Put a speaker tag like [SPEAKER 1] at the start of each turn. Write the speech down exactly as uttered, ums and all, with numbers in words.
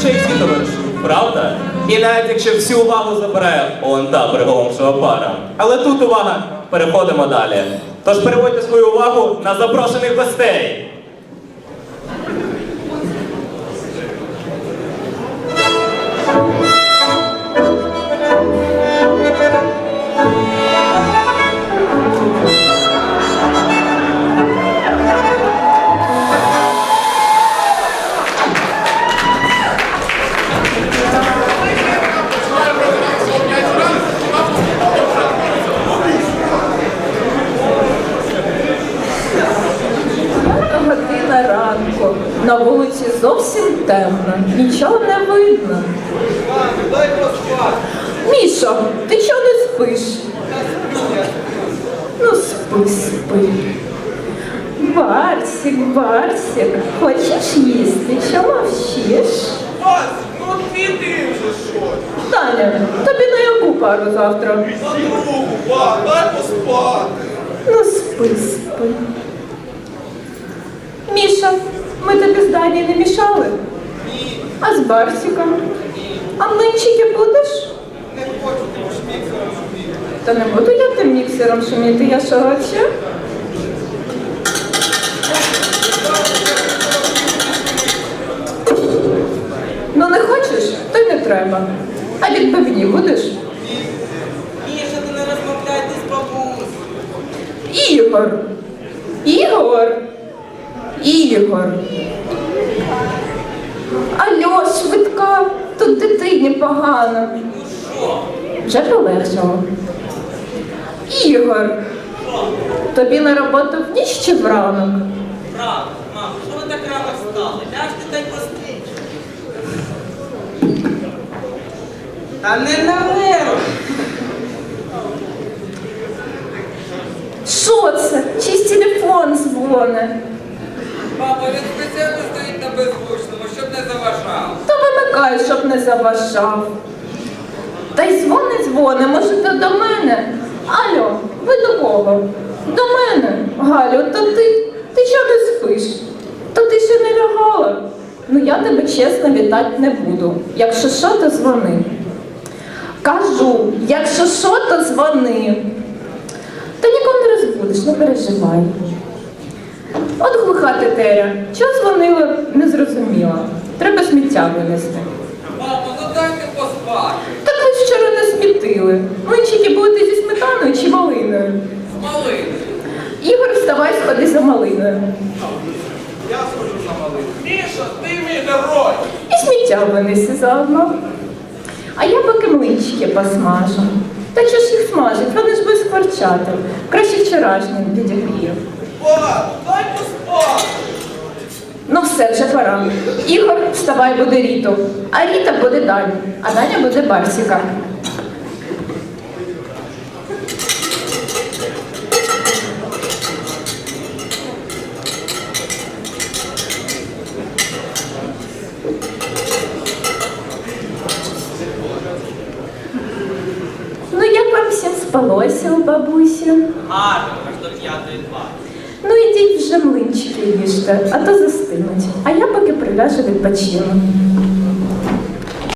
[SPEAKER 1] ще й всі товаришують, правда? І навіть якщо всю увагу забирає он та приголомшова пара. Але тут увага, переходимо далі. Тож переводьте свою увагу на запрошених гостей.
[SPEAKER 2] Година ранку. На вулиці зовсім темно. Нічого не видно. Мішо, ти чого не спиш? Ну, спи, спи. Барсик, Барсик, хочеш їсти? Чого мовчиш?
[SPEAKER 3] Вась, ну піди вже щось.
[SPEAKER 2] Таня, тобі на яку пару завтра?
[SPEAKER 3] На другу, ба, дай поспати.
[SPEAKER 2] Ну, спи, спи. Міша, ми тобі з Дані не мішали?
[SPEAKER 3] Ні,
[SPEAKER 2] А з Барсиком? А млинчики будеш?
[SPEAKER 3] не хочу тим шміксером шуміти.
[SPEAKER 2] Та не буду я тим міксером шуміти, я що ще? Ну не хочеш, то й не треба. А відбивні будеш?
[SPEAKER 3] Міша, ти не розмовляйте з бабусею.
[SPEAKER 2] Ігор! Ігор! Ігор! Алло, швидка, тут дитині погано.
[SPEAKER 3] Ну що?
[SPEAKER 2] Вже полегшало. Ігор! Тобі на роботу в ніч чи вранок?
[SPEAKER 3] Рано, мам, що ви так рано встали? Ляжте та й поспіть. Та не на нерв.
[SPEAKER 2] Що це? Чийсь телефон дзвоне?
[SPEAKER 3] Папа, він спеціально стоїть на беззвучному, щоб не заважав.
[SPEAKER 2] То вимикай, щоб не заважав. Та й дзвони, дзвони, може, то до мене? Алло, ви до кого? До мене? Галю, то ти, ти чого не спиш? То ти ще не лягала? Ну я тебе чесно вітати не буду. Якщо що, то дзвони. Кажу, якщо що, то дзвони. Та нікого не розбудеш, не переживай. От глуха тетеря. Чого дзвонила, не зрозуміла. Треба сміття винести.
[SPEAKER 3] Папа, ну дайте поспати.
[SPEAKER 2] Так ви ж вчора не смітили. Млинчики будете зі сметаною чи малиною?
[SPEAKER 3] Малий.
[SPEAKER 2] Ігор, вставай, сходи за малиною.
[SPEAKER 3] Я схожу за малий. Міша, ти мій герой.
[SPEAKER 2] І сміття винеси заодно. А я поки млинчики посмажу. Та що ж їх смажить? Вони ж будуть скворчати. Краще вчорашнім відігрію.
[SPEAKER 3] Ба, дай поспати.
[SPEAKER 2] Ну все, вже пора. Ігор, вставай, буде Ріту. А Ріта буде Даня. А Даня буде Барсіка. Ну як вам всім спалося у бабусі?
[SPEAKER 3] Гарно, аж до п'ятої два.
[SPEAKER 2] Ну ідіть вже млинчики їжте, а то застинуть. А я поки приляжу відпочину.